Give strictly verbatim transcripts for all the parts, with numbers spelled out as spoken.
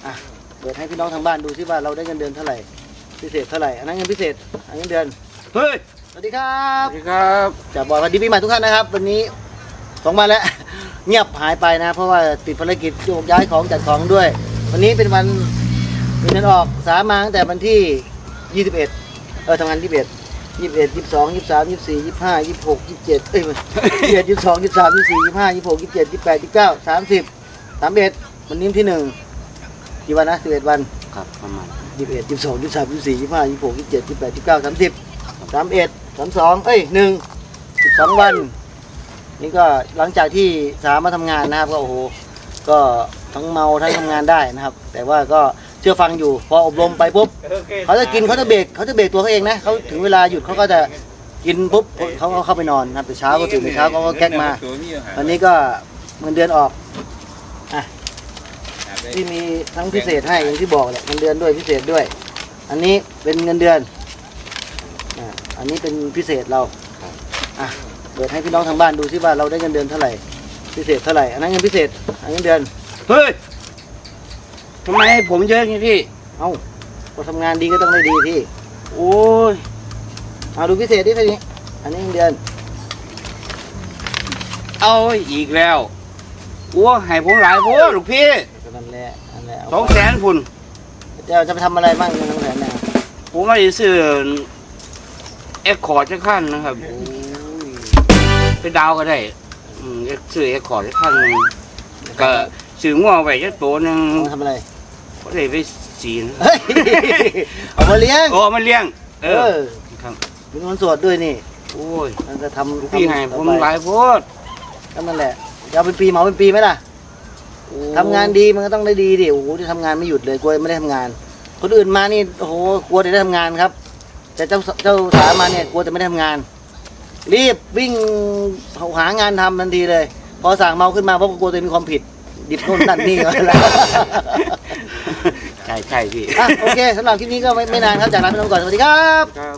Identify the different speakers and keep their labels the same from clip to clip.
Speaker 1: อ่ะเปิดให้พี่น้องทางบ้านดูซิว่าเราได้เงินเดือนเท่าไหร่พิเศษเท่าไหร่อันนั้นเงินพิเศษอันนี้เงินเดือนเฮ้ยสวัสดีครับ
Speaker 2: สวัสดีครับ
Speaker 1: จะบอกสวัสดีปีใหม่ทุกท่านนะครับวันนี้สองวันแล้ว เงียบหายไปนะเพราะว่าติดภารกิจโยกย้ายของจัดของด้วยวันนี้เป็นวันมีเงินออกสามาตั้งแต่วันที่ยี่สิบเอ็ดเออทำงานยี่สิบเอ็ดยี่สิบเอ็ดยี่สิบสองยี่สิบสามยี่สิบสี่ยี่สิบห้ายี่สิบหกยี่สิบเจ็ดเอ้ยยี่สิบเอ็ดยี่สิบสองยี่สิบสามยี่สิบสี่ยี่สิบห้ายี่สิบหกยี่สิบเจ็ดยี่สิบแปดยี่สิบเก้าสามสิบสามเอ็ดวันนี้ที่หนึ่งกี่วันนะสิบเอ็ดวัน
Speaker 2: ครับประมาณ
Speaker 1: ยี่สิบเอ็ดยี่สิบสองยี่สิบสามยี่สิบสี่ยี่สิบห้ายี่สิบหกยี่สิบเจ็ดยี่สิบแปดยี่สิบเก้าสามสิบสามเอ็ดสามสองเอ้ยหนึ่งสิบสองวันนี่ก็หลังจากที่สามมาทำงานนะครับก็โอ้โหก็ทั้งเมาทั้งทำงานได้นะครับแต่ว่าก็เชื่อฟังอยู่พออบรมไปปุ๊บเขาจะกินเขาจะเบรกเขาจะเบรกตัวเขาเองนะเขาถึงเวลาหยุดเขาก็จะกินปุ๊บเขาก็เข้าไปนอนนะครับแต่เช้าก็ตื่นแต่เช้าเขาก็แก๊กมาวันนี้ก็เงินเดือนออกอ่ะที่มีทั้งพิเศษให้อย่างที่บอกแหละเงินเดือนด้วยพิเศษด้วยอันนี้เป็นเงินเดือนอ่าอันนี้เป็นพิเศษเราอ่ะเปิดให้พี่น้องทางบ้านดูซิว่าเราได้เงินเดือนเท่าไหร่พิเศษเท่าไหร่อันนั้นเงินพิเศษอันนี้เงินเดือน
Speaker 2: เฮ้ยทำไมให้ผมเยอะอย่างนี้พี่
Speaker 1: เอ้าพอทำงานดีก็ต้องได้ดีพี่
Speaker 2: โอ้ย
Speaker 1: เอาดูพิเศษดิพี่นี้อันนี้เงินเดือน
Speaker 2: เอาอีกแล้วโอ้ให้ผมหลายโพดลูกพี่
Speaker 1: นั่นแหละนั่นแหละ
Speaker 2: สองแสนพุ่น
Speaker 1: จะจะไปทำอะไรบ้างเงินสองแสนเนี่ย
Speaker 2: ผมไม่ได้ซื้อเอ็กคอร์ดจะขั้นนะครับไปดาวก็ได้อืมซื้อเอ็กคอร์ดจะขั้นนึงก็ซื้อง้อไว้จะตัวนึง
Speaker 1: ทำอะไร
Speaker 2: ก็เลยไปสีน
Speaker 1: เอามาเลี้ยง
Speaker 2: โอ้มาเลี้ยงเออ
Speaker 1: ครับมีเงินสดด้วยนี่
Speaker 2: โอ้ย
Speaker 1: มันจะทำ
Speaker 2: พี่ให้ผมหลายโพด
Speaker 1: นั่นแหละจะเอาเป็นปีเหมาเป็นปีไหมล่ะทำงานดีมันก็ต้องได้ดีดิโอ้โหที่ทำงานไม่หยุดเลยกลัวไม่ได้ทำงานคนอื่นมานี่โอ้โหกลัวจะได้ทำงานครับแต่เจ้าเจ้าสามาเนี่ยกลัวจะไม่ได้ทำงานรีบวิ่งหางานทำทันทีเลยพอสั่งเมาขึ้นมาเพราะกลัวตัวเองมีความผิดดิบโน่นนั่นนี่ก็แล้ว
Speaker 2: ใช่ใช่พี่
Speaker 1: อ่ะโอเคสำหรับคลิปนี้ก็ไม่ไม่นานครับจากลาไปก่อนสวัสดีครับ
Speaker 2: ครับ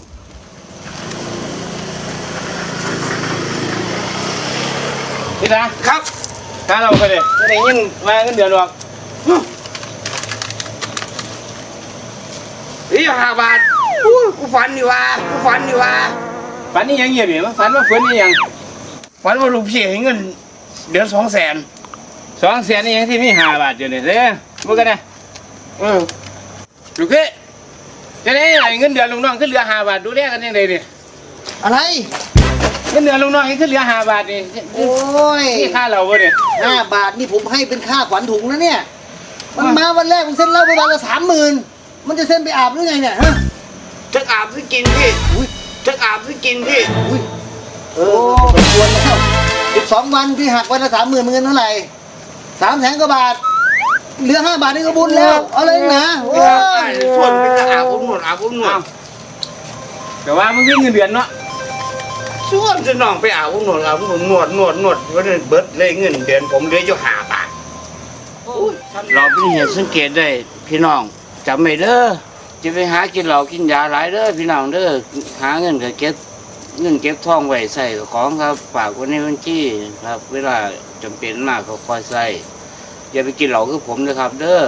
Speaker 2: พี่นะครับถ้าเราไปเลยไม่ได้ยิ่งมาเงินเดือนหรอกนี่ห้าบาทกูฝันอยู่ว่ากูฝันอยู่ว่าฝันนี่ยังเงียบอยู่มั้ยฝันว่าฝันนี่ยังฝันว่าลูกพี่ให้เงินเดือนสองแสนสองแสนนี่ยังที่มีห้าบาทอยู่เนี่ยเด้อพูดกันนะเออลูกพี่จะได้เงินเดือนลุงน้องขึ้นเหลือห้าบาทดูแลกันยังไงเนี่ย
Speaker 1: อะไร
Speaker 2: เงินเดือนลุงน้องขึ้นเหลือห้าบาทนี่
Speaker 1: โอ้ย
Speaker 2: นี่ค่าเราเนี่ย
Speaker 1: ห้าบาทนี่ผมให้เป็นค่าขวัญถุงนะเนี่ยมันมาวันแรกมันเซ็นเหล้าไปวันละสามหมื่นมันจะเซ็นไปอาบหรือไงเนี่ยฮะ
Speaker 2: จะอาบหรือกินพี่จะอาบหรือกินพี่
Speaker 1: เออสมควรแล้วสิบสองวันพี่หักวันละสามหมื่นเงินเท่าไหร่สามแสนกว่าบาทเหลือห้าบาทนี่ก็บุญแล้วอะไรนะโอ้
Speaker 2: ยส่วนเป็นอาบผมหนวดอาบผมหนวดแต่ว่ามันวิ่งเงินเดือนเนาะส่วนจะน้องไปอาบผมหนวดอาบผมหนวดหนวดหนวดวันนี้เบิร์ดเลยเงินเดือนผมเหลืออยู่ห้าบาทเราเป็นเหตุสังเกตได้พี่น้องจำไม่เด้อจะไปหากินเหล้ากินยาหลายเด้อพี่น้องเด้อหาเงินก็เก็บเงินเก็บทองไว้ใส่ของครับฝากไว้ในบัญชีครับเวลาจำเป็นมากก็คอยใส่อย่าไปกินเหล้าคือผมนะครับเด้อ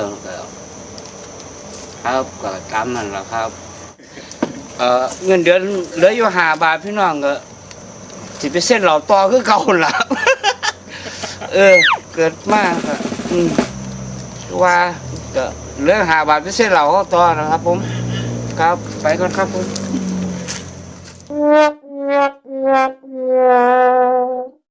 Speaker 2: ครับก็ตามนั่นแหละครับเอ่อเงินเดือนเหลืออยู่ห้าบาทพี่น้องก็สิไปเส้นเหล้าต่อคือเก่าละเออเกิดมากครับอืมว่าก็เหลือห้าบาทไปเส้นเหล้าต่อนะครับผมครับไปก่อนครับผม